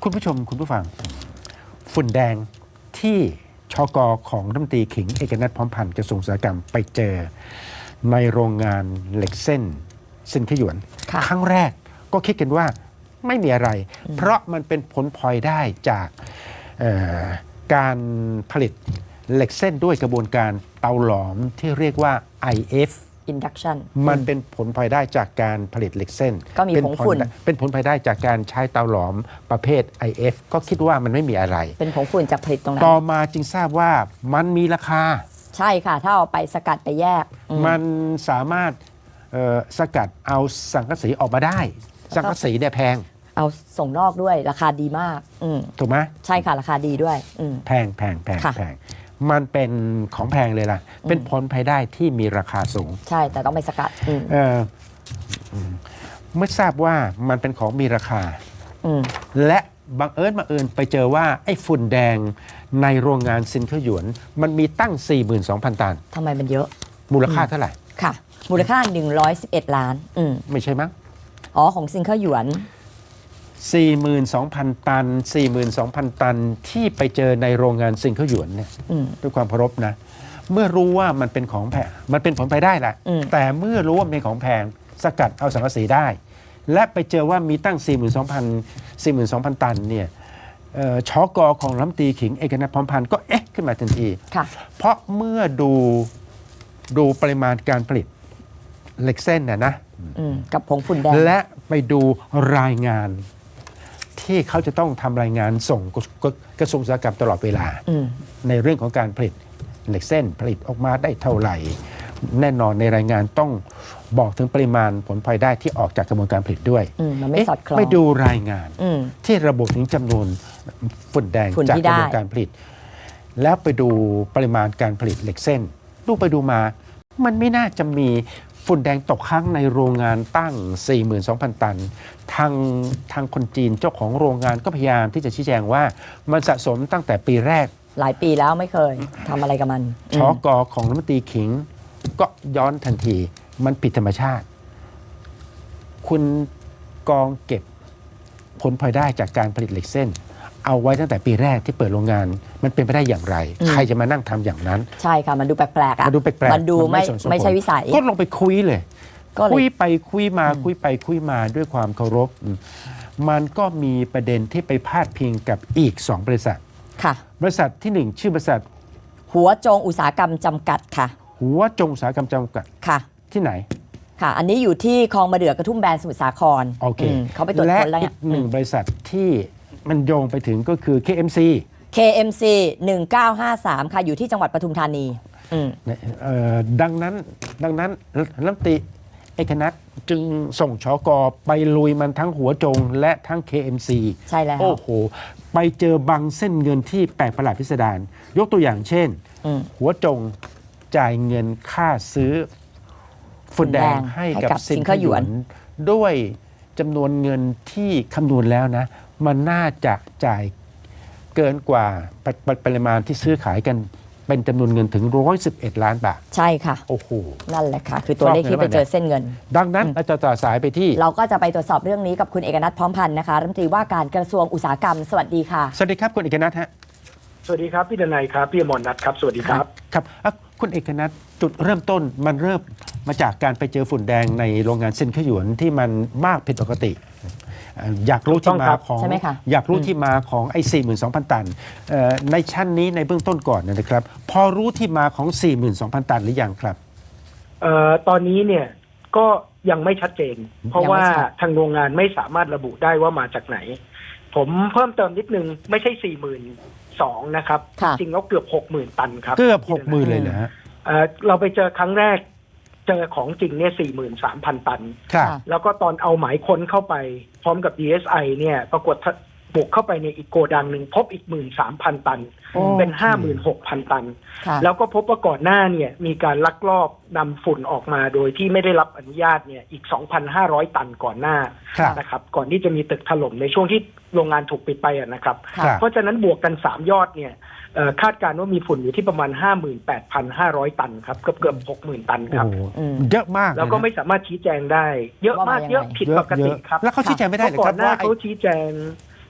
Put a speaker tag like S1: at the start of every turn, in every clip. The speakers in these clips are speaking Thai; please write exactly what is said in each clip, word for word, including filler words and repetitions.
S1: คุณผู้ชมคุณผู้ฟังฝุ่นแดงที่ชกของรัฐมนตรีขิงเอกนัทพร้อมพันธ์กระทรวงอุตสาหกรรมไปเจอในโรงงานเหล็กเส้นซินขยวนครั้งแรกก็คิดกันว่าไม่มีอะไรเพราะมันเป็นผลพลอยได้จากการผลิตเหล็กเส้นด้วยกระบวนการเตาหลอมที่เรียกว่า ไอ เอฟ
S2: Induction
S1: มันเป็นผลพลอยได้จากการผลิตเหล็กเส้น
S2: ก็มีผงฝุ่น
S1: เป็นผลพลอยได้จากการใช้เตาหลอมประเภท ไอ เอฟ ก็คิดว่ามันไม่มีอะไร
S2: เป็นผงฝุ่นจากผลิตตรงนั้น
S1: ต่อมาจึงทราบว่ามันมีราคา
S2: ใช่ค่ะถ้าเอาไปสกัดไปแยกม
S1: มันสามารถสกัดเอาสังกะสีออกมาได้สังกะสีเนี่ยแพง
S2: เอาส่งนอกด้วยราคาดีมาก
S1: ถูกไหม
S2: ใช่ค่ะราคาดีด้วย
S1: แพงแพงแพงแพงมันเป็นของแพงเลยล่ะเป็นผลภายได้ที่มีราคาสูง
S2: ใช่แต่ต้องไปสกัด
S1: เออเมื่อทราบว่ามันเป็นของมีราคาและบังเอิญบังเอิญไปเจอว่าไอ้ฝุ่นแดงในโรงงานซินเคอร์หยวนมันมีตั้ง สี่หมื่นสองพัน ตัน
S2: ทำไมมันเยอะ
S1: มูลค่าเท่าไหร่
S2: ค่ะมูลค่าหนึ่งร้อยสิบเอ็ดล้านอืม
S1: ไม่ใช่มั้ง
S2: อ๋อของซินเคอร์หยวน
S1: สี่หมื่นสองพัน ตัน สี่หมื่นสองพัน ตันที่ไปเจอในโรงงานซินเคอร์หยวนเนี่ยด้วยความเคารพนะเมื่อรู้ว่ามันเป็นของแพงมันเป็นผลไปได้แหละแต่เมื่อรู้ว่าเป็นของแพงสกัดเอาสังกะสีได้และไปเจอว่ามีตั้ง สี่หมื่นสองพัน สี่หมื่นสองพัน ตันเนี่ยชกของรัฐมนตรีขิงเอกนัทพร้อมพันธ์ก็เอ๊ะขึ้นมาทันทีเพราะเมื่อดูดูปริมาณการผลิตเหล็กเส้นน่ะนะ
S2: กับผงฝุ่นแดง
S1: และไปดูรายงานที่เขาจะต้องทำรายงานส่งกระทรวงอุตสาหกรรมตลอดเวลาในเรื่องของการผลิตเหล็กเส้นผลิตออกมาได้เท่าไหร่แน่นอนในรายงานต้องบอกถึงปริมาณผลพลอยได้ที่ออกจากกระบวนการผลิตด้วย
S2: มันไม่สอดคล้อง
S1: ไม่ดูรายงานที่ระบุถึงจำนวนฝุ่นแดงจากกระบวนการผลิตแล้วไปดูปริมาณการผลิตเหล็กเส้นดูไปดูมามันไม่น่าจะมีฝุ่นแดงตกค้างในโรงงานตั้ง สี่หมื่นสองพัน ตันทางทางคนจีนเจ้าของโรงงานก็พยายามที่จะชี้แจงว่ามันสะสมตั้งแต่ปีแรก
S2: หลายปีแล้วไม่เคยทำอะไรกับมัน
S1: ชกของรัฐมนตรีขิงก็ย้อนทันทีมันผิดธรรมชาติคุณกองเก็บผลพลอยได้จากการผลิตเหล็กเส้นเอาไว้ตั้งแต่ปีแรกที่เปิดโรงงานมันเป็นไปได้อย่างไรใครจะมานั่งทำอย่างนั้น
S2: ใช่ค่ะมันดูแปลกๆอ่ะ
S1: มันดูแปลกๆ
S2: มันดูไม่ไม่ใช่วิสัย
S1: ก็ลงไปคุยเลยคุยไปคุยมาคุยไปคุยมาด้วยความเคารพมันก็มีประเด็นที่ไปพาดพิงกับอีกสองบริษัท
S2: ค่ะ
S1: บริษัทที่หนึ่งชื่อบริษัท
S2: หัวจงอุตสาหกรรมจำกัดค่ะ
S1: หัวจงอุตสาหกรรมจำกัด
S2: ค่ะ
S1: ที่ไหน
S2: ค่ะอันนี้อยู่ที่คลองมะเดื่อกระทุ่มแบนสมุทรสาคร
S1: โอเค
S2: เขาไปตรวจค้นแล้ว
S1: และอีกหนึ่งบริษัทที่มันโยงไปถึงก็คือ เค เอ็ม ซี
S2: เค เอ็ม ซี หนึ่งเก้าห้าสามค่ะอยู่ที่จังหวัดปทุมธานี
S1: ดังนั้นดังนั้นรัฐมนตรีเอกนัทจึงส่งชกไปลุยมันทั้งหัวจงและทั้ง เค เอ็ม ซี
S2: ใช่แล้ว
S1: โอ้โหไปเจอบางเส้นเงินที่แปลกประหลาดพิสดารยกตัวอย่างเช่นหัวจงจ่ายเงินค่าซื้อฝุ่นแดงให้กับซินเคอร์หยวนด้วยจำนวนเงินที่คำนวณแล้วนะมันน่าจะจ่ายเกินกว่าปริมาณที่ซื้อขายกันเป็นจำนวนเงินถึงหนึ่งร้อยสิบเอ็ดล้านบาท
S2: ใช่ค่ะ
S1: โอ้โห
S2: นั่นแหละค่ะคือตัวเลขที่ไปเจอเส้นเงิน
S1: ดังนั้นเราจะต่อสายไปที่
S2: เราก็จะไปตรวจสอบเรื่องนี้กับคุณเอกนัทพร้อมพันธ์นะคะรัฐมนตรีว่าการกระทรวงอุตสาหกรรมสวัสดีค่ะ
S1: สวัสดีครับคุณเอกนัทฮะ
S3: สวัสดีครับพี่ดนัยครับพี่อมรนัทครับสวัสดีครับ
S1: ครับคุณเอกนัทจุดเริ่มต้นมันเริ่มมาจากการไปเจอฝุ่นแดงในโรงงานซินเคอร์หยวนที่มันมากผิดปกติอยากรู้ที่มาของอยากรู้ที่มาของไอ้ สี่หมื่นสองพัน ตันในชั้นนี้ในเบื้องต้นก่อนนะครับพอรู้ที่มาของ สี่หมื่นสองพัน ตันหรือยังครับ
S3: เอ่อตอนนี้เนี่ยก็ยังไม่ชัดเจนเพราะว่าทางโรงงานไม่สามารถระบุได้ว่ามาจากไหนผมเพิ่มเติมนิดนึงไม่ใช่ สี่หมื่นสองพัน นะครับจริงแล้วเกือบ หกหมื่น ตันครับ
S1: เกือบ หกหมื่น เลยเหรอฮะ
S3: เอ่อเราไปเจอครั้งแรกเจอของจริงเนี่ย สี่หมื่นสามพัน ตันแล้วก็ตอนเอาหมายค้นเข้าไปพร้อมกับ ดี เอส ไอ เนี่ยปรากฏบุกเข้าไปในอีกโกดังหนึ่งพบอีก หนึ่งหมื่นสามพัน ตันเป็น ห้าหมื่นหกพัน ตันแล้วก็พบว่าก่อนหน้าเนี่ยมีการลักลอบนำฝุ่นออกมาโดยที่ไม่ได้รับอนุญาตเนี่ยอีก สองพันห้าร้อย ตันก่อนหน้านะครับก่อนที่จะมีตึกถล่มในช่วงที่โรงงานถูกปิดไปนะครับเพราะฉะนั้นบวกกันสามยอดเนี่ยคาดการณ์ว่ามีฝุ่นอยู่ที่ประมาณ ห้าหมื่นแปดพันห้าร้อย ตันครับเกือบเกือบ หกหมื่น ตันครับ
S1: เยอะมาก
S3: แล้วก็ไม่สามารถชี้แจงได้เยอะมากเยอะผิดปกติครับ
S1: แล้วเขาชี้แจงไม่ได้เลยครับ
S3: ก่อนหน้าเขาชี้แจง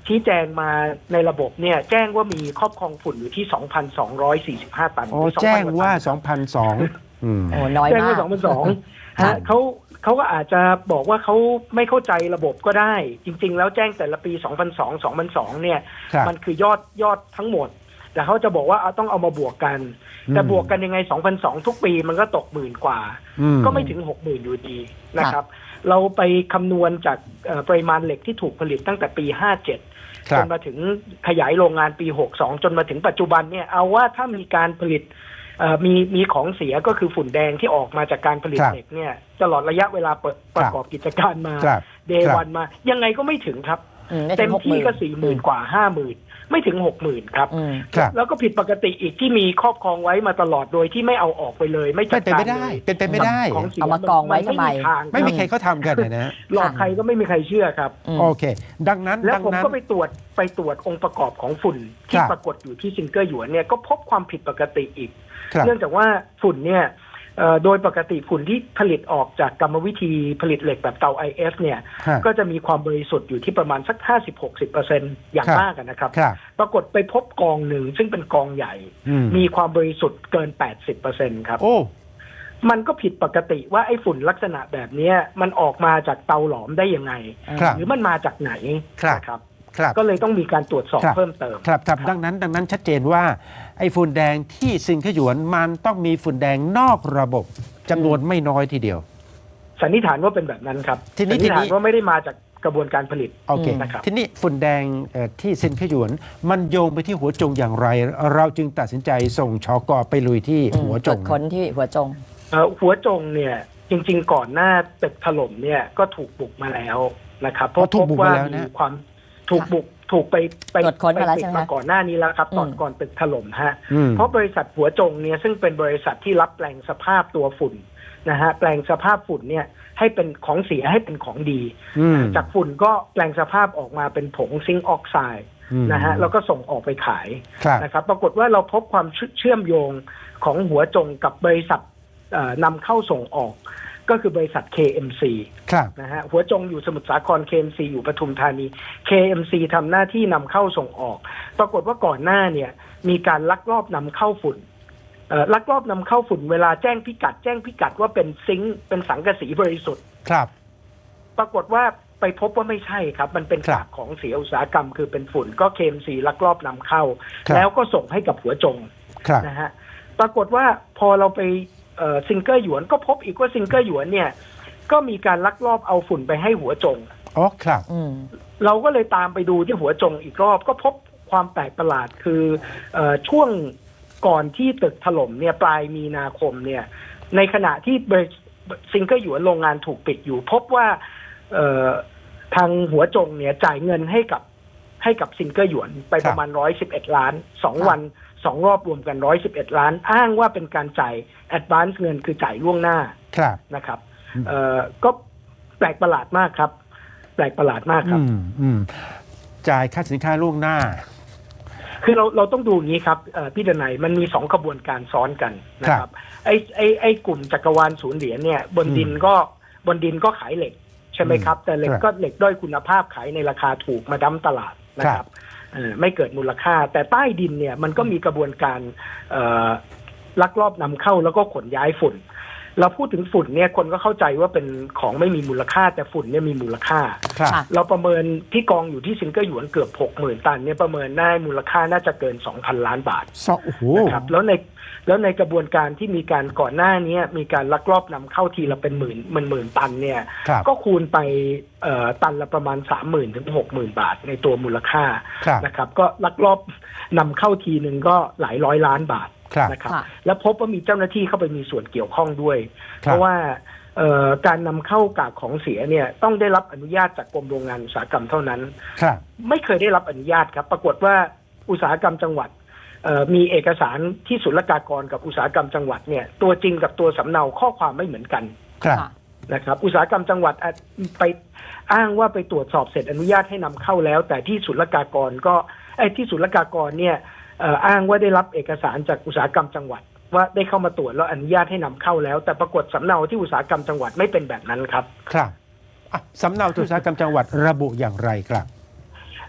S3: ชี้แจงมาในระบบเนี่ยแจ้งว่ามีครอบครองฝุ่นอยู่ที่ สองพันสองร้อยสี่สิบห้า ตัน
S1: โอ้แจ้งว่า สองพันสองร้อย อืม
S2: โอ้น้อย
S3: แจ้ง
S2: มา
S3: ว่าก สองพันสองร้อย
S2: ค่ะ
S3: ฮะเขาเขาก็อาจจะบอกว่าเขาไม่เข้าใจระบบก็ได้ จริง ๆ แล้วแจ้งแต่ละปี สองพันสองร้อย สองพันสองร้อย เนี่ย
S1: ครับ
S3: มันคือยอดยอดทั้งหมด แต่เขาจะบอกว่าเอาต้องเอามาบวกกัน แต่
S1: อืม
S3: บวกกันยังไง สองพันสองร้อย ทุกปีมันก็ตกหมื่นกว่า
S1: อืม
S3: ก็ไม่ถึง หกหมื่น อยู่ดีนะครับ เราไปคำนวณจากเอ่อปริมาณเหล็กที่ถูกผลิตตั้งแต่ปี ห้าเจ็ด
S1: ครั
S3: จ
S1: บ
S3: นมาถึงขยายโรงงานปี หกสอง จนมาถึงปัจจุบันเนี่ยเอาว่าถ้ามีการผลิตเอ่อมีมีของเสียก็คือฝุ่นแดงที่ออกมาจากการผลิต
S1: ครับ
S3: เหล็กเนี่ยตลอดระยะเวลาเปิดประกอบกิจการมา
S1: ครับ
S3: เดย์
S1: ครับ
S3: วันมา ยังไงก็ไม่ถึงครับ
S2: อืไม่
S3: เต็
S2: ถึ
S3: ม
S2: งหกห
S3: ที่
S2: มื่น
S3: ก็สี่หมื่นกว่าห้าหมื่นไม่ถึงหกหมื่นครับ
S2: อืม
S1: ครับ
S3: แล้วก็ผิดปกติอีกที่มีครอบครองไว้มาตลอดโดยที่ไม่เอาออกไปเลย ไม่จั
S1: เป็
S3: ด
S1: นไป
S3: การ
S1: ไม่ได้
S3: เลย
S1: เป็นไปไม่ได้
S3: ของเสีย
S2: เอามากองไว้ทำไม
S3: นทาง
S1: ไม่มี
S3: ค
S1: ใคร
S3: รับ
S1: เขาทำกันนะฮะ
S3: หลอกใครก็ไม่มีใครเชื่อครับ
S2: อืม
S1: โอเค ดังนั้น
S3: แล้ว
S1: ดัง
S3: ผม
S1: นั้น
S3: ก็ไปตรวจไปตรวจองค์ประกอบของฝุ่นที่
S1: ครับ
S3: ปรากฏอยู่ที่ซิงเกอร์หยวนเนี่ยก็พบความผิดปกติอีก
S1: ครับ
S3: เนื่องจากว่าฝุ่นเนี่ยเอ่อโดยปกติฝุ่นที่ผลิตออกจากกรรมวิธีผลิตเหล็กแบบเตา ไอ เอฟ เนี่ย
S1: ฮะ
S3: ก็จะมีความบริสุทธิ์อยู่ที่ประมาณสัก ห้าสิบถึงหกสิบเปอร์เซ็นต์ อย่าง
S1: ครับ
S3: มากอะนะครับ
S1: ครับ
S3: ปรากฏไปพบกองหนึ่งซึ่งเป็นกองใหญ่
S1: อืม
S3: มีความบริสุทธิ์เกิน แปดสิบเปอร์เซ็นต์ ครับ
S1: โอ้
S3: มันก็ผิดปกติว่าไอ้ฝุ่นลักษณะแบบเนี้ยมันออกมาจากเตาหลอมได้ยังไง
S1: ครับ
S3: หรือมันมาจากไหน
S1: ครับ
S3: นะครับ
S1: ครับ
S3: ก็เลยต้องมีการตรวจสอบ
S1: ครับ
S3: เพิ่มเติม
S1: ครับครับดังนั้นดังนั้นชัดเจนว่าไอ้ฝุ่นแดงที่ซิงเกิลหยวนมันต้องมีฝุ่นแดงนอกระบบจำนวนไม่น้อยทีเดียว
S3: สันนิษฐานว่าเป็นแบบนั้นครับ
S1: ทีนี้
S3: สันนิษฐา
S1: ที
S3: น
S1: นี้
S3: ว่าไม่ได้มาจากกระบวนการผลิต
S1: โอเค
S3: นะครับ
S1: ทีนี้ฝุ่นแดงเอ่อที่ซินเกิลหยวน มันโยงไปที่หัวจงอย่างไร เราจึงตัดสินใจส่งชกไปลุยที่หัวจ
S2: ตรว
S1: ง
S2: จค้นที่หัวจง
S3: เอ่อหัวจงเนี่ยจริงๆก่อนหน้าตึกถล่มเนี่ยก็ถูกบุกมาแล้วนะครับเพราะ
S1: อ๋อถู
S3: พ
S1: ก
S3: บ
S1: บุก
S3: ว่า
S1: มาแล้วนะ
S3: มีความถูกบุกถูกไปไป
S2: ตรวจค้นมาแล้ว
S3: ไป
S2: ใช่ไหม
S3: ปิดมาก่อนหน้านี้แล้วครับตอน
S2: อืม
S3: ก่อนตึกถล่มฮะ
S1: อืม
S3: เพราะบริษัทหัวจงเนี่ยซึ่งเป็นบริษัทที่รับแปลงสภาพตัวฝุ่นนะฮะแปลงสภาพฝุ่นเนี่ยให้เป็นของเสียให้เป็นของดี
S1: อืม
S3: จากฝุ่นก็แปลงสภาพออกมาเป็นผงซิงค์ออกไซด์
S1: อืม
S3: นะฮะแล้วก็ส่งออกไปขาย
S1: ครับ
S3: นะครับปรากฏว่าเราพบความเชื่อมโยงของหัวจงกับบริษัทเอ่อนำเข้าส่งออก ก็คือบริษัท เค เอ็ม ซี
S1: ครับ
S3: นะฮะหัวจงอยู่สมุทรสาคร เค เอ็ม ซี อยู่ปทุมธานี เค เอ็ม ซี ทำหน้าที่นำเข้าส่งออก ปรากฏว่าก่อนหน้าเนี่ยมีการลักลอบนำเข้าฝุ่นเอ่อลักลอบนำเข้าฝุ่นเวลาแจ้งพิกัด แจ้งพิกัดว่าเป็นซิงค์เป็นสังกะสีบริสุทธิ์
S1: ครับ
S3: ปรากฏว่าไปพบว่าไม่ใช่ครับ มันเป็น
S1: ครับ
S3: กากของเสียอุตสาหกรรมคือเป็นฝุ่นก็ เค เอ็ม ซี ลักลอบนำเข้า
S1: ครับ
S3: แล้วก็ส่งให้กับหัวจง
S1: ครับ
S3: นะฮะปรากฏว่าพอเราไปเอ่อซิงเกอร์หยวนก็พบอีกว่าซิงเกอร์หยวนเนี่ยก็มีการลักลอบเอาฝุ่นไปให้หัวจง
S1: อ๋อครับ
S2: อืม
S3: เราก็เลยตามไปดูที่หัวจงอีกรอบก็พบความแปลกประหลาดคือเออช่วงก่อนที่ตึกถล่มเนี่ยปลายมีนาคมเนี่ยในขณะที่ซิงเกอร์หยวนโรงงานถูกปิดอยู่ พบว่าเอ่อทางหัวจงเนี่ยจ่ายเงินให้กับให้กับซิงเกอร์หยวนไปประมาณร้อยสิบเอ็ดล้านสองวันสองรอบรวมกันร้อยสิบเอ็ดล้าน อ้างว่าเป็นการจ่ายแอดวานซ์เงินคือจ่ายล่วงหน้า
S1: ครับ
S3: นะครับเอ่อก็แปลกประหลาดมากครับ แปลกประหลาดมากครับ
S1: อืมอืมจ่ายค่าสินค้าล่วงหน้า
S3: คือเราเราต้องดูอย่างนี้ครับเอ่อพี่ดนัยมันมีสองกระบวนการซ้อนกันนะค
S1: ครั
S3: รับบ ไอ้ไอ้ไอ้กลุ่มจักรวาลศูนย์เหรียญเนี่ยบนดินก็บนดินก็ขายเหล็กใช่ไหมครับ แต่เหล็ก
S1: ครับ
S3: ก็เหล็กด้อยคุณภาพขายในราคาถูกมาดั้มตลาดนะค
S1: ครั
S3: รับบ เอ่อไม่เกิดมูลค่า แต่ใต้ดินเนี่ยมันก็มีกระบวนการเอ่อลักลอบนำเข้าแล้วก็ขนย้ายฝุ่น เราพูดถึงฝุ่นเนี่ยคนก็เข้าใจว่าเป็นของไม่มีมูลค่าแต่ฝุ่นเนี่ยมีมูลค่า
S1: ครับ
S2: ค่ะ
S3: เราประเมินที่กองอยู่ที่ซิงเกิลหยวนเกือบหกหมื่นตันเนี่ยประเมินได้มูลค่าน่าจะเกินสองพันล้านบาท
S1: สองโอ้โห
S3: นะครับแล้วในแล้วในกระบวนการที่มีการก่อนหน้านี้มีการลักลอบนำเข้าทีละเป็นหมื่นหมื่นหมื่นตันเนี่ย
S1: ครับ
S3: ก็คูณไปเอ่อตันละประมาณสามหมื่นถึงหกหมื่นบาทในตัวมูลค่า
S1: ครับ
S3: นะครับก็ลักลอบนำเข้าทีหนึ่งก็หลายร้อยล้านบาท
S1: ครับ
S3: นะครับ
S2: ค่ะ
S3: แล้วพบว่ามีเจ้าหน้าที่เข้าไปมีส่วนเกี่ยวข้องด้วย
S1: ครับ
S3: เพราะว่าเอ่อการนำเข้ากากของเสียเนี่ยต้องได้รับอนุญาตจากกรมโรงงานอุตสาหกรรมเท่านั้น
S1: ครับ
S3: ไม่เคยได้รับอนุญาตครับ ปรากฏว่าอุตสาหกรรมจังหวัดเอ่อมีเอกสารที่ศุลกากรกับอุตสาหกรรมจังหวัดเนี่ยตัวจริงกับตัวสำเนาข้อความไม่เหมือนกัน
S1: ครับ
S2: ค่ะ
S3: นะครับอุตสาหกรรมจังหวัดอาจไปอ้างว่าไปตรวจสอบเสร็จอนุญาตให้นำเข้าแล้ว แต่ที่ศุลกากรก็ไอ้ที่ศุลกากรเนี่ยเอ่ออ้างว่าได้รับเอกสารจากอุตสาหกรรมจังหวัด ว่าได้เข้ามาตรวจแล้วอนุญาตให้นำเข้าแล้ว แต่ปรากฏสำเนาที่อุตสาหกรรมจังหวัดไม่เป็นแบบนั้นครับ
S1: ครับอ่ะสำเนาอุตสาหกรรมจังหวัดระบุอย่างไรครับ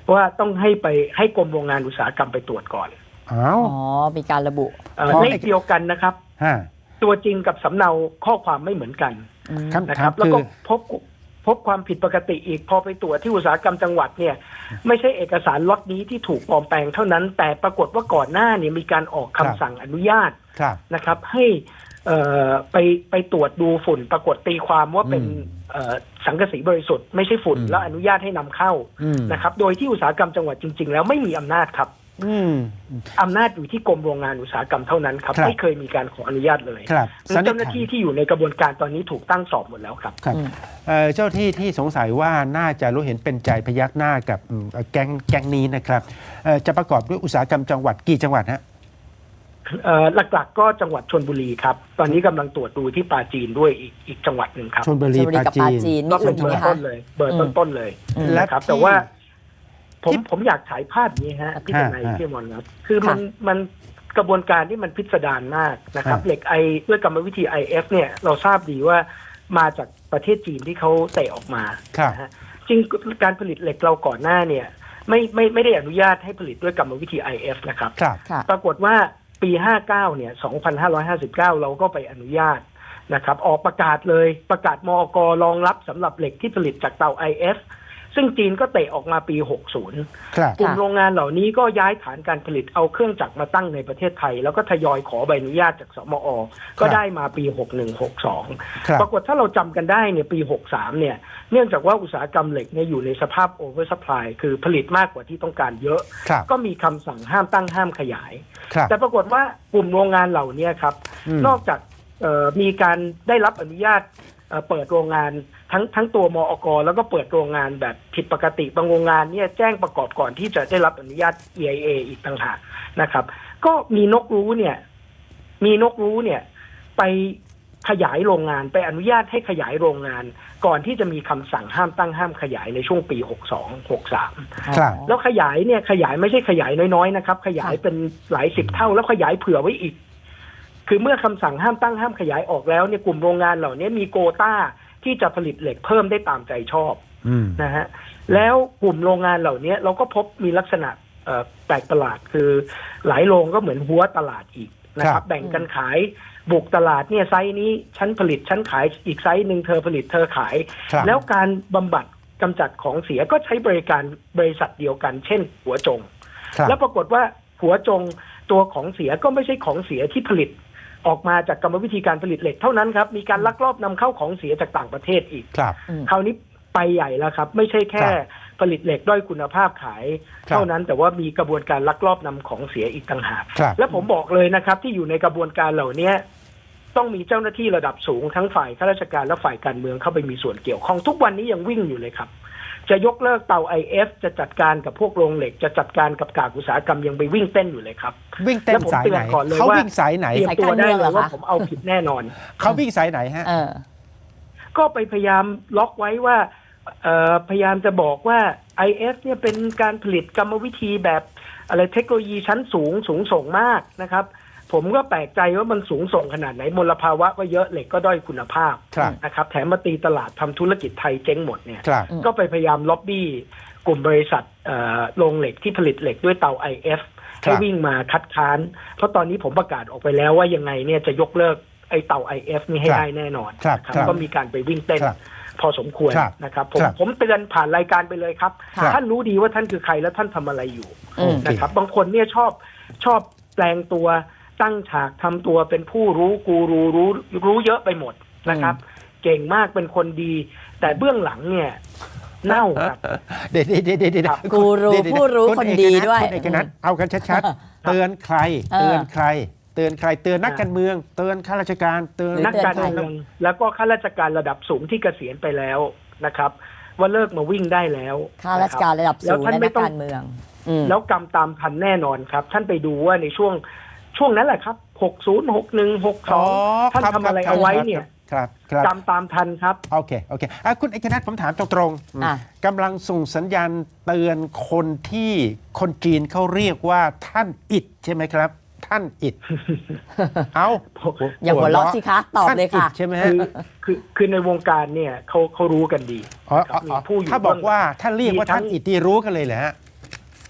S3: ว่าต้องให้ไปให้กรมโรงงานอุตสาหกรรมไปตรวจก่อน
S1: อ้าว
S2: อ๋อ มีการระบุ
S3: เอ่อเลขเดียวกันนะครับ
S1: ฮะ
S3: ตัวจริงกับสำเนาข้อความไม่เหมือนกัน
S2: อืม
S1: คำ
S3: นะค
S1: ถา
S3: รั
S1: ม
S3: บ แล้ว
S1: คือ
S3: ก็พบพบความผิดปกติอีกพอไปตรวจที่อุตสาหกรรมจังหวัดเนี่ยไม่ใช่เอกสารล็อตนี้ที่ถูกปลอมแปลงเท่านั้น แต่ปรากฏว่าก่อนหน้าเนี่ยมีการออกคำสั่งอนุญาต
S1: ครับ
S3: นะครับให้เอ่อไปไปตรวจดูฝุ่นปรากฏตีความว่าเป็น
S1: อืม
S3: เอ่อสังกะสีบริสุทธิ์ไม่ใช่ฝุ่น
S1: อืม
S3: แล้วอนุญาตให้นำเข้า
S1: อืม
S3: นะครับโดยที่อุตสาหกรรมจังหวัดจริง ๆ แล้วไม่มีอำนาจครับ
S1: อืม
S3: อำนาจอยู่ที่กรมโรงงานอุตสาหกรรมเท่านั้นครับ
S1: ครับ
S3: ไม่เคยมีการขออนุญาตเลย
S1: ครับ
S3: ซึ่ง
S1: สันนิษ
S3: เจ้าหน้า
S1: ฐาน
S3: ที่ที่อยู่ในกระบวนการตอนนี้ถูกตั้งสอบหมดแล้วครับ
S1: ครับ
S2: อืม
S1: เอ่อเจ้าที่ที่สงสัยว่าน่าจะรู้เห็นเป็นใจพยักหน้ากับอืมแก๊งแก๊งนี้นะครับเอ่อจะประกอบด้วยอุตสาหกรรมจังหวัดกี่จังหวัดฮะ
S3: เอ่อหลักๆก็จังหวัดชลบุรีครับตอนนี้กำลังตรวจดูที่ปราจีนด้วยอีกอีกจังหวัดหนึ่งครับ
S1: ชลบุรี
S2: ชลบุรี
S1: ปรา
S2: กับ
S1: จี
S2: ปราน จีน มี
S3: ก็
S2: อื่
S3: เป็น
S2: นอีก
S3: เบอ
S2: ไหม
S3: ร์
S2: คะ
S3: ต้นเลย เบอร์ต้นๆเลย
S2: อืม
S3: นะครับ
S1: และที่
S3: แต่ว่า ผม
S1: ที่
S3: ผมอยากฉายภาพนี้ฮะพี่ทนาย
S1: ฮะ
S3: พี่มอนครับคือมันมันกระบวนการที่มันพิสดารมากนะครับ
S1: ฮะ
S3: เหล็กไอด้วยกรรมวิธี ไอ เอฟ เนี่ยเราทราบดีว่ามาจากประเทศจีนที่เขาเตะออกมา
S1: ครับ
S3: นะฮะจริงการผลิตเหล็กเราก่อนหน้าเนี่ยไม่ไม่ไม่ได้อนุญาตให้ผลิตด้วยกรรมวิธี ไอ เอฟ นะครับ
S1: ครับ
S2: ค่ะ
S3: ปรากฏว่าปีห้าเก้าเนี่ยสองพันห้าร้อยห้าสิบเก้าเราก็ไปอนุญาตนะครับออกประกาศเลยประกาศมอกรองรับสำหรับเหล็กที่ผลิตจากเตา ไอ เอฟ ซึ่งจีนก็เตะออกมาปีหกสิบ
S1: ครับ
S3: กลุ่มโรงงานเหล่านี้ก็ย้ายฐานการผลิตเอาเครื่องจักรมาตั้งในประเทศไทย แล้วก็ทยอยขอใบอนุญาตจากสมอ ก็ได้มาปีหกสิบเอ็ด หกสิบสอง
S1: ครับ
S3: ปรากฏถ้าเราจำกันได้เนี่ยปีหกสิบสามเนี่ยเนื่องจากว่าอุตสาหกรรมเหล็กเนี่ยอยู่ในสภาพโอเวอร์ซัพพลายคือผลิตมากกว่าที่ต้องการเยอะ
S1: ครับ
S3: ก็มีคำสั่งห้ามตั้งห้ามขยาย
S1: ครับ
S3: แต่ปรากฏว่ากลุ่มโรงงานเหล่านี้ครับ
S1: อืม
S3: นอกจากเอ่อมีการได้รับอนุญาตเอ่อเปิดโรงงานทั้งทั้งตัวมอก แล้วก็เปิดโรงงานแบบผิดปกติบางโรงงานเนี่ยแจ้งประกอบก่อนที่จะได้รับอนุญาต อี ไอ เอ อีกต่างหากนะครับ ก็มีนกรู้เนี่ย มีนกรู้เนี่ย ไปขยายโรงงานไปอนุญาตให้ขยายโรงงาน ก่อนที่จะมีคำสั่งห้ามตั้งห้ามขยายในช่วงปีหกสิบสอง หกสิบสาม
S1: ครับ
S3: แล้วขยายเนี่ยขยายไม่ใช่ขยายน้อยๆนะครับ ขยายเป็นหลายสิบเท่าแล้วขยายเผื่อไว้อีก คือเมื่อคำสั่งห้ามตั้งห้ามขยายออกแล้วเนี่ยกลุ่มโรงงานเหล่านี้มีโควต้าที่จะผลิตเหล็กเพิ่มได้ตามใจชอบ
S1: อืม
S3: นะฮะแล้วกลุ่มโรงงานเหล่านี้เราก็พบมีลักษณะเอ่อแปลกประหลาดคือหลายโรงก็เหมือนหัวตลาดอีกนะค
S1: ครั
S3: รับบ แบ่งกันขายบุกตลาดเนี่ยไซส์นี้ฉันผลิตฉันขายอีกไซส์หนึ่งเธอผลิตเธอขาย
S1: ครับ
S3: แล้วการบำบัดกำจัดของเสียก็ใช้บริการบริษัทเดียวกัน เช่น หัวจง
S1: ครับ
S3: แล้วปรากฏว่าหัวจงตัวของเสียก็ไม่ใช่ของเสียที่ผลิตออกมาจากกรรมวิธีการผลิตเหล็กเท่านั้นครับมีการลักลอบนำเข้าของเสียจากต่างประเทศอีก
S1: ครับ
S2: อืม
S3: คราวนี้ไปใหญ่แล้วครับ ไม่ใช่แค่
S1: ครับ
S3: ผลิตเหล็กด้อยคุณภาพขาย
S1: ครับ
S3: เท่านั้นแต่ว่ามีกระบวนการลักลอบนำของเสียอีกต่างหาก
S1: ครับ
S3: และผมบอกเลยนะครับ ที่อยู่ในกระบวนการเหล่านี้ต้องมีเจ้าหน้าที่ระดับสูงทั้งฝ่ายข้าราชการและฝ่ายการเมืองเข้าไปมีส่วนเกี่ยวข้องทุกวันนี้ยังวิ่งอยู่เลยครับ จะยกเลิกเตา ไอ เอฟ จะจัดการกับพวกโรงเหล็ก จะจัดการกับกากอุตสาหกรรมยังไปวิ่งเต้นอยู่เลยครับ
S1: วิ่งเต้นสายไหน
S3: แล้วผมเตือนก่อนเลย
S1: เขา
S3: ว่า
S1: วิ่งสายไหน
S3: เตรียมตัวได้เลยว่าผมเอาผิดแน่นอน
S1: เขาวิ่งสายไหนฮะ
S2: เออ
S3: ก็ไปพยายามล็อกไว้ว่าเอ่อพยายามจะบอกว่า ไอ เอฟ เนี่ยเป็นการผลิตกรรมวิธีแบบอะไรเทคโนโลยีชั้นสูงสูงส่งมากนะครับ ผมก็แปลกใจว่ามันสูงส่งขนาดไหนมลภาวะก็เยอะเหล็กก็ด้อยคุณภาพ
S1: ครับ
S3: นะครับแถมมาตีตลาดทำธุรกิจไทยเจ๊งหมดเนี่ย
S1: ครับ
S3: ก็ไปพยายามล็อบบี้กลุ่มบริษัทเอ่อโรงเหล็กที่ผลิตเหล็กด้วยเตา ไอ เอฟ ให้วิ่งมาคัดค้าน เพราะตอนนี้ผมประกาศออกไปแล้วว่ายังไงเนี่ยจะยกเลิกไอ้เตา ไอ เอฟ นี่ให้
S1: ครับ
S3: ได้แน่นอน
S1: ครับ
S3: นะครับ ก็มีการไปวิ่งเต้น
S1: ครับ
S3: พอสมควร
S1: ครับ
S3: นะครับผม
S1: ครับ
S3: ผมเตือนผ่านรายการไปเลยครับ
S2: ครับ
S3: ท่านรู้ดีว่าท่านคือใครและท่านทำอะไรอยู่
S2: อืม
S3: นะครับ บางคนเนี่ยชอบชอบแปลงตัวตั้งฉากทำตัวเป็นผู้รู้กูรูรู้รู้เยอะไปหมดนะครับ เก่งมากเป็นคนดี แต่เบื้องหลังเนี่ยเน่าครับ
S1: เดี๋ยวเดี๋ยวเดี๋ยวเดี๋ยว
S3: ครับ
S2: กูรู
S1: เดี๋ยวเดี๋ยว
S2: ผู้รู้
S1: ณ
S2: คน
S1: เอก
S2: ดี
S1: นัท
S2: ด้วย
S1: คุณเอกนัทเอากันชัดๆ เตือนใคร
S2: เออ
S1: เตือนใคร เตือนใคร เตือนนัก
S3: อ่า
S1: การเมือง เตือนข้าราชการ เตือน
S2: หรือ
S3: นักการเมืองแล้วก็ข้าราชการระดับสูงที่เกษียณไปแล้วนะครับ ว่าเลิกมาวิ่งได้แล้ว
S2: ข้าราชการระดับ
S3: แล้
S2: สู
S3: ว
S2: ง
S3: ท่าน
S2: และ
S3: ไม่
S2: นัก
S3: ต้อง
S2: การเมือง อืม
S3: แล้วกรรมตามทันแน่นอนครับ ท่านไปดูว่าในช่วงช่วงนั้นแหละครับหกสิบ หกสิบเอ็ด หกสิบส
S1: อ๋
S3: อ
S1: อง
S3: ท่าน
S1: ครับ
S3: ทำอะไร
S1: ครับ
S3: เอาไว้
S1: ครับ
S3: เนี่ย
S1: ครับครับ
S3: กรรมตามทันครับ
S1: โอเค โอเคอ่ะคุณเอกนัทผมถามตรงๆ
S2: อ่ะ
S1: กำลังส่งสัญญาณเตือนคนที่คนจีนเขาเรียกว่าท่านอิดใช่ไหมครับ ท่านอิด เอา
S2: อย่าหัวเราะสิคะ ตอบเลยค่ะ
S1: ท่านดใช่ไหม
S3: คื
S1: ฮะ
S3: อคือคือในวงการเนี่ยเขาเขารู้กันดี
S1: อ๋อ
S3: ครับ
S1: อ๋อ
S3: มีผู้อยู่
S1: ถ้าบอกว่าถ้าเรียกว่า
S3: มีทั้ง
S1: ท่านอิดที่รู้กันเลยแหละ
S3: ค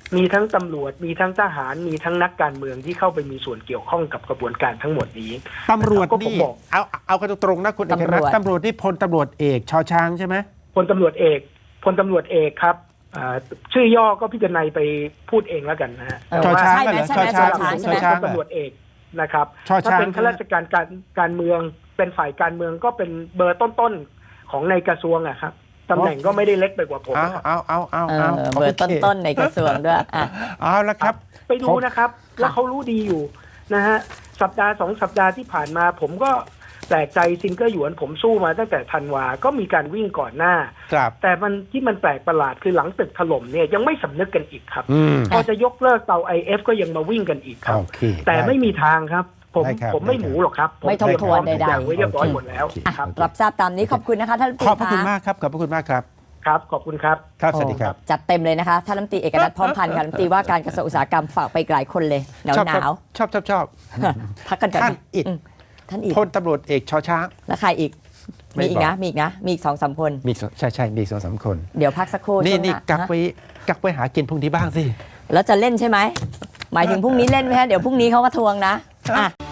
S3: มีทั้งตำรวจมีทั้งทหารมีทั้งนักการเมืองที่เข้าไปมีส่วนเกี่ยวข้องกับกระบวนการทั้งหมดนี้
S1: ตำรวจ
S3: ก็ผม
S1: นี่
S3: บอก
S1: เอาเอากันตรงๆนะคุณเอกรัตน์ตำรวจนี่พลตำรวจเอกชอช้างใช่ไหม
S3: พลตำรวจเอกพลตำรวจเอกครับอ่าชื่อย่อก็พี่จนัยไปพูดเองแล้วกันนะฮะ
S2: เออ
S1: ชอช้าง
S2: ใช่ไหม
S1: เหรอ
S2: ใช่ไหม
S1: ชอช้าง
S2: ชอช้าง
S1: ช
S2: ใช่
S1: อ
S2: ไหม
S1: ช้าง
S3: พลตำรวจเอกนะครับ
S1: ชอช้าง
S3: ถ้าเป็นข้าราชการการการเมืองเป็นฝ่ายการเมืองก็เป็นเบอร์ต้นๆของในกระทรวงอะครับตำแหน่งก็ไม่ได้เล็กไปกว่าผม
S1: เอา
S3: นะครับ
S1: เอาเอาเอา
S2: เอ
S1: เอา
S2: อเบอร์ต้นๆในกระทรวงด้วยอ่ะ
S1: เอาละครับ
S3: ไปดูนะครับ แล้วเขารู้ดีอยู่นะฮะสัปดาห์สองสัปดาห์ที่ผ่านมา ผมก็แปลกใจซินเกอร์หยวนผมสู้มาตั้งแต่ธันวาก็มีการวิ่งก่อนหน้า
S1: ครับ
S3: แต่มันที่มันแปลกประหลาดคือหลังตึกถล่มเนี่ยยังไม่สำนึกกันอีกครับ
S1: อืม
S3: พอจะยกเลิกเตา ไอ เอฟ ก็ยังมาวิ่งกันอีกครับ
S1: โอเค
S3: แต่ไม่มีทางครับ ผม
S1: ได้ครับ
S3: ผมไม่
S1: ได้
S3: ห
S1: ครับ
S3: มูหรอกครับ
S2: ไม่ทบทวน
S3: ผมเตรียมพร้อมทุกอย่าง
S2: ใดๆ
S3: ไว้เรียบร้อย
S1: โอเค
S3: หมดแล้ว
S1: โอเค
S2: อ่ะ
S3: ครับ
S2: รับทราบตามนี้ขอบคุณนะคะท่านรัฐมนตรี
S1: ขอบพระคุณ
S2: ะ
S1: มากครับขอบพระคุณมากครับ
S3: ครับ ขอบคุณครับ
S1: ครับสวัสดีครับ
S2: โอ้จัดเต็มเลยนะคะท่านรัฐมนตรีเอกนัทพร้อมพันธ์ค่ะรัฐมนตรีว่าการกระทรวงอุตสาหกรรมฝากไปอีกหลายคนเลยหนาว
S1: ชอบ
S2: หนาว
S1: ชอบชอบชอบ
S2: พักกันก่อน
S1: ท่านอิฐ
S2: มท่านอีก
S1: พลตำรวจเอกชอช้าง
S2: แล้วใครอีก
S1: ไม่
S2: มีอีก
S1: บอก
S2: นะ มีอีกนะ มีอีกสองสามคน
S1: มีสองใช่ใช่มีสองสามคน
S2: เดี๋ยวพักสักครู่
S1: นี่
S2: ช่วงห
S1: นี่
S2: น้า
S1: กัก
S2: ฮะ
S1: ไว้กักไว้หากินพรุ่งนี้บ้างสิ
S2: แล้วจะเล่นใช่ไหม หมายถึงพรุ่งนี้เล่นไหมฮะ เดี๋ยวพรุ่งนี้เขามาทวงนะอ่ะ